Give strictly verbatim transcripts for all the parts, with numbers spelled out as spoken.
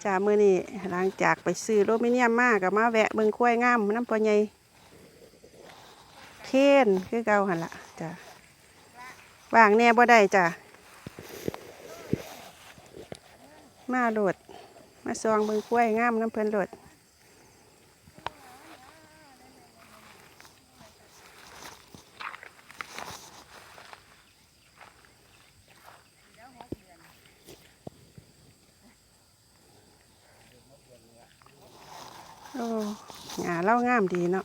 จ้ามื้อนี้หลังจากไปซื้อโลมิเนียมมาก็มาแวะเบิ่งควายงามน้ำปอใหญ่เค้นคือเก่าหั่นล่ะจ้าว่างแน่บ่ได้จ้ามาโหลดมาซองเบิ่งควายงามน้ำเพิ่นโหลดโอ้หญ้าเล่างามดีเนาะ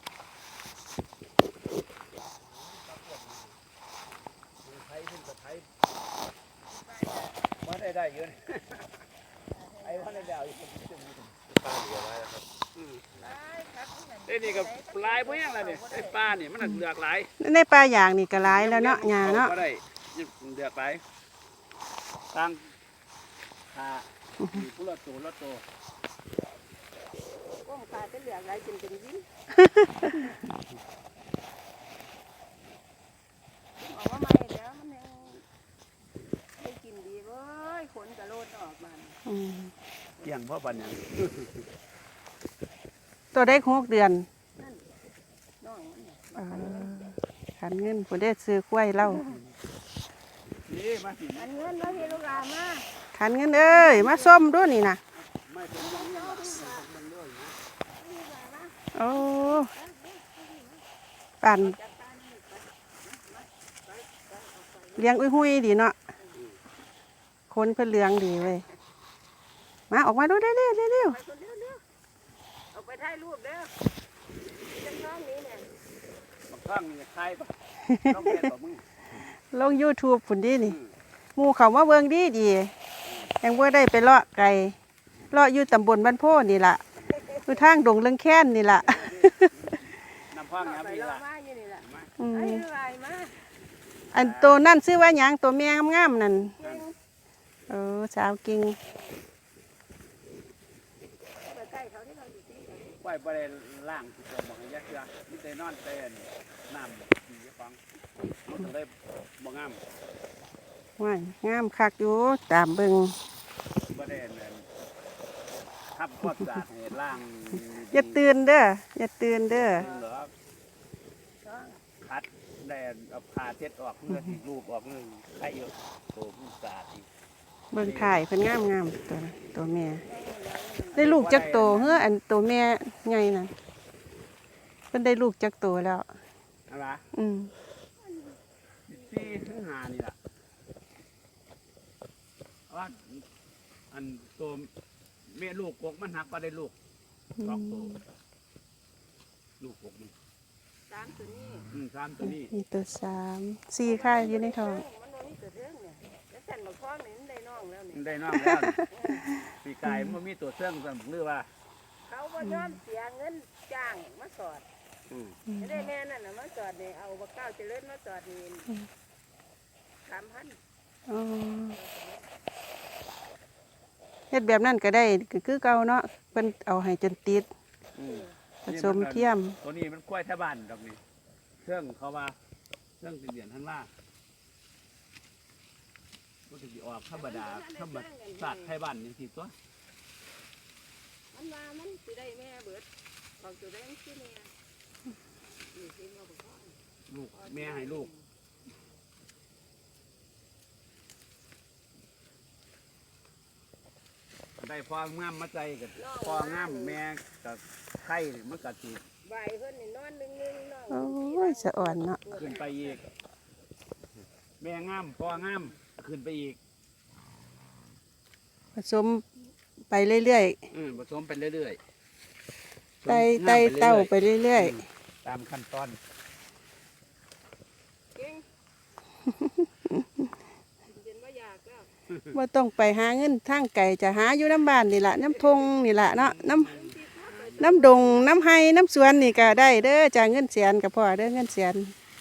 ว่าได้ได้เยอะไอ้ว่าได้ดาวอยู่ปลาเหลือไว้แล้วครับไอ้นี่กับลายพวกยังไรเนี่ยไอ้ปลาเนี่ยมันเหลือกหลายในปลาอย่างนี่ก็หลายแล้วเนาะหญ้าเนาะได้เหลือกหลายตั้งขาผู้ละตัวละตัวว่าขาจะเหลือกหลายจนเป็นยิ้มบอกว่าไม่แล้วมันยังได้กินดีเว้ยขนกระโลดออกมาเกี่ยงเพราะปัญญาตัวได้หกเดือนน้องขันเงินผมได้ซื้อควายเล่านี่มาสิขันเงินแล้วพี่ลูกหลานมาขันเงินเอ้ยมาส้มด้วยนี่นะโอ้ปั่นเลี้ยงอุ้ยหุยดีเนาะคนเพื่อเลี้ยงดีเว้ยมาออกมาดูได้เร็วเร็วเอาไปถ่ายรูปเด้อจังน้องนี้เนี่ยบางครั้งนี่ใครปะต้องเป็นต่อมึงลงยูทูบฝุ่นดีนี่มูเขามาเบิ่งดีดียังว่าได้ไปเลาะไก่เลาะอยู่ตำบลบ้านโพนี่ล่ะคือทางดงเรื่องแค้นนี่ล่ะน้ำพังน้ำนี่ล่ะอันตัวนั่นซื้อว่าหยังตัวแม่งามๆนั่นเออสาวกิ่งไหวประเด็นล่างที่ตัวบอกให้ยักษ์ยักษ์มิเตนอนเต้นน้ำดีฟังมันจะได้บ่งามว่ายงามคักอยู่ตามเบิ่งประเด็นทับควบสาให้ล่างอย่าตื่นเด้ออย่าตื่นเด้อคัดแดนเอาผ่าเช็ดออกเพื่อที่รูปออกเลยไข่เยอะโตมันสาดอีกเบิ่งถ่ายเพิ่นงามงามตัวตัวแม่ได้ลูกจักโตเฮ้ออันตัวแม่ใหญ่น่ะเพิ่นได้ลูกจักโตแล้วอะไรอืมสี่ถึงห้านี่ล่ะว่าอันตัวแม่ลูกกกมันหักก็ได้ลูกสองตัวลูกกกนี่สามตัวนี้อืมสามตัวนี้มีตัวสามสี่ค่ายอยู่ในท้องมันมีตัวเรื่องเนี่ยแล้วฉันบอกพ่อเนี่ยได้น้องแล้วเนี่ยได้น้องแล้วปีกายมันมีตัวเสื่องสั่งหรือว่าเขาบ่ยอมเสียเงินจ้างมาสอดจะได้แม่นั่นน่ะมาสอดเนี่ยเอาบักเก้าเจริญมาสอดนี่สามพันเฮ็ดแบบนั้นก็ได้คือเก่าเนาะเพิ่นเอาให้จนติดผสมเทียมตัวนี้มันกล้วยแท่บ้านดอกนี้เครื่องเขาว่าเครื่องเหรียญท่านว่าก็จะออกธรรมดาธรรมศาสตร์ไทยบ้านนี่สิตัวมันว่ามันสิได้แม่เบิดบอกตัวได้ที่แม่ลูกแม่ให้ลูกได้พองามมาใจกับพองามแม่กับไข่มันกัดจีใบเพิ่นนี่นอนนึงนึงน้องโอ้ยสะอ่อนเนาะขึ้นไปอีกแม่งามพองามขึ้นไปอีกผสมไปเรื่อยๆอืมผสมไปเรื่อยๆไต่ไต่เต้าไปเรื่อยๆตามขั้นตอนว่าต้องไปหาเงินทางไก่จะหาอยู่น้ำบ้านนี่แหละน้ำทงนี่แหละเนาะน้ำน้ำดงน้ำไห้น้ำสวนนี่ก็ได้เด้อจากเงินเสียนกับพ่อเด้อเงินเสียน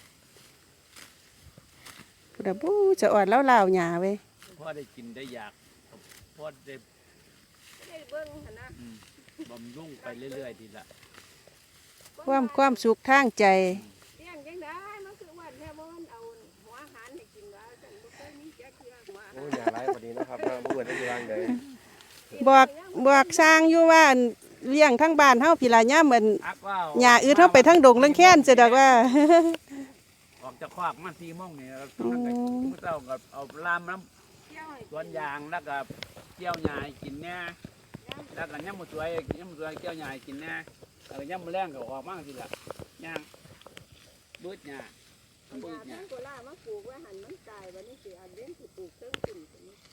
พุทธบูจะอ่อนแล้วลาวหยาเว้ยพ่อได้กินได้อยากพ่อได้เบิ้งนะบำรุงไปเรื่อยๆทีละความความสุขทางใจโอ้ยอย่าไล่พอดีนะครับเมื่อวันได้ยังไงบอกบอกสร้างอยู่ว่าอั่นเลี้ยงทั้งบ้านเฮาพี่ละย่ามเหมือนอักว่าหญ้าอืดเฮาไปทั้งดงเรื่องแค้นจะดอกว่าออกจากคอกมาสี่โมงนี่แล้วมันก็มื้อเช้าก็เอาลามน้ำสวนยางแล้วก็เกี่ยวหญ้าให้กินแน่แล้วก็ย่ำมื้อสวยย่ำมื้อสวยเกี่ยวหญ้าให้กินแน่แล้วก็ย่ำมื้อแรงก็ออกมาสิล่ะย่างบืดหญ้าเอาบืยาดหญ้าทั้งโคราชมาปลูกไว้หันมันตายวันนี้สิอันเลี้ยงสิปลูกเพิ่งขึ้น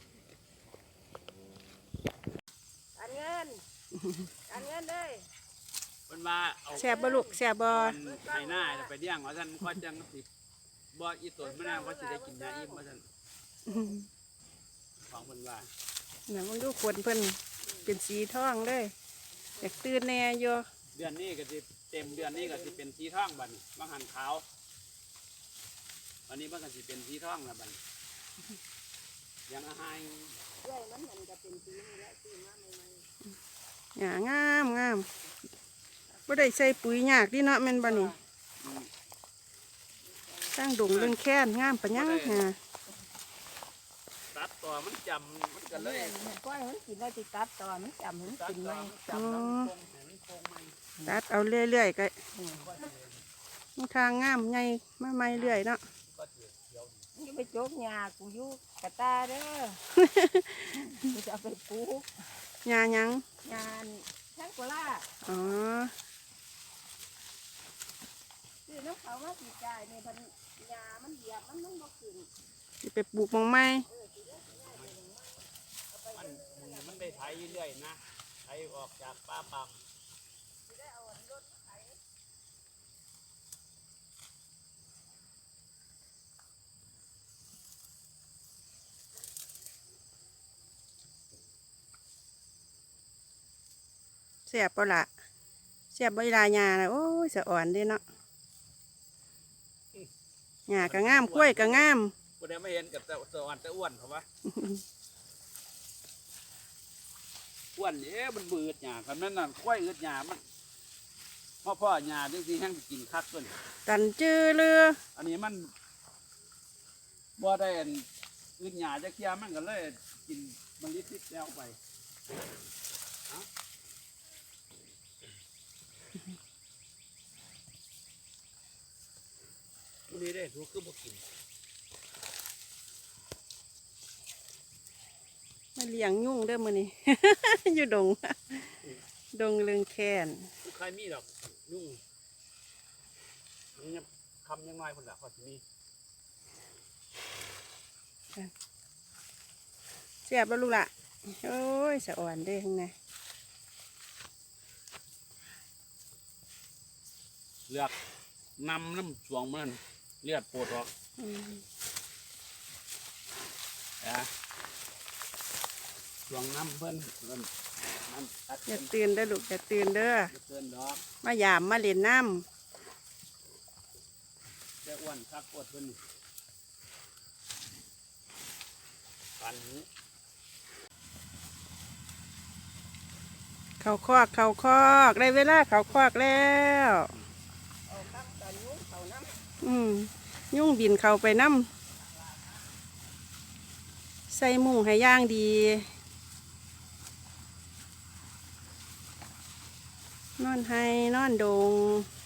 อันเงินอันเงินเด้ยเพิ่นว่าเอาแซ่บบ่ลูกแซ่บบ่ให้หน้าไปเลี้ยงว่าซั่นก็จังสิบ่อีตนมันน่าว่าสิได้กินยาอิ่มว่าซั่นของเพิ่นว่าน่ะมึงดูขนเพิ่นเป็นสีทองเลยอยากตื่นแน่อยู่เดือนนี้ก็สิเต็มเดือนนี้ก็สิเป็นสีทองบัดนี้บางหันขาววันนี้มันก็สิเป็นสีทองแล้วบัดนี้ยังอาหารเรื่อยมันมันจะเป็นปีนี่แหละปีมาใหม่หญ้างามงามบ่ได้ใส่ปุ๋ยยากดิเนาะแม่นบ่นี่สร้างดงเรื่องแค้นงามปะยังหาตัดต่อมันจำมันก็ๆเลเลย ยมันก้อยมันกินได้ติตัดต่อมันจำมันตัดกินไหมต่อมันจำแล้วมันคงให้มันคงไหมตัดเอาเรื่อยๆก็มันทางงามใหญ่มาใหม่เรื่อยเนาะก็เดี๋ยวเดี๋ยวนี่ไปโจกหญ้ากูอยู่กระตาเด้อ กูจะเอาไปปลูกหญ้าหยังงานทั้งโคราชอ๋อคือน้ำเขามาสีกายเนี่ยพันยามันเหยียบมันมันบ่ขึ้นสิไปปลูกหมองไม้มันมันได้ไถเรื่อยๆนะไถออกจากป่าปังเสียบเปล่าเสียบใบลายหญ้าน่ะโอ้ยสะอ่อนเด้เนาะหญ้าก็งามกล้วยก็งามกูได้ไม่เห็นกับแต่สวรรค์แต่อ้วนเขาวะอ้วนเอ๊ะมันบืดหญ้าคำนั้นน่ะค่อยอืดหญ้ามันพ่อพ่อหญ้าจริงๆให้กินคักต้นตันจื้อเรืออันนี้มันบ่ได้อันอืดหญ้าจะเคี่ยมันก็เลยกินมันลิดๆแล้วไปเอ้าวันนี้ได้ทุกคือบ่กินมาเลี้ยงยุ่งเด้อมื้อนี้ อยู่ดง ดงเรื่องแค้นใครมีดอกยุ่งมันยังคำยังน้อยคนละข้อที่นี่เสียบบ่ลูกล่ะโอ้ยสะอ่อนเด้ข้างในเลือกนำน้ำสวงมันเลือดปวดออกอืมนะสวงน้ำเพิ่นเพิ่นมันตัดอย่าเพิ่นตื่นเด้อลูกอย่าตื่นเด้อบ่เกินดอกมายามมาเล่นน้แต่อ้วนคักปวดเพิ่นนี่ปันนี้ำเขาคอกเขาคอกได้เวลาเขาคอกแล้วเอาข้างตอนนู้นเขาน้ำอืมยุ่งบินเขาไปน้ำใส่มุ้งให้ย่างดี นอนให้นอนดง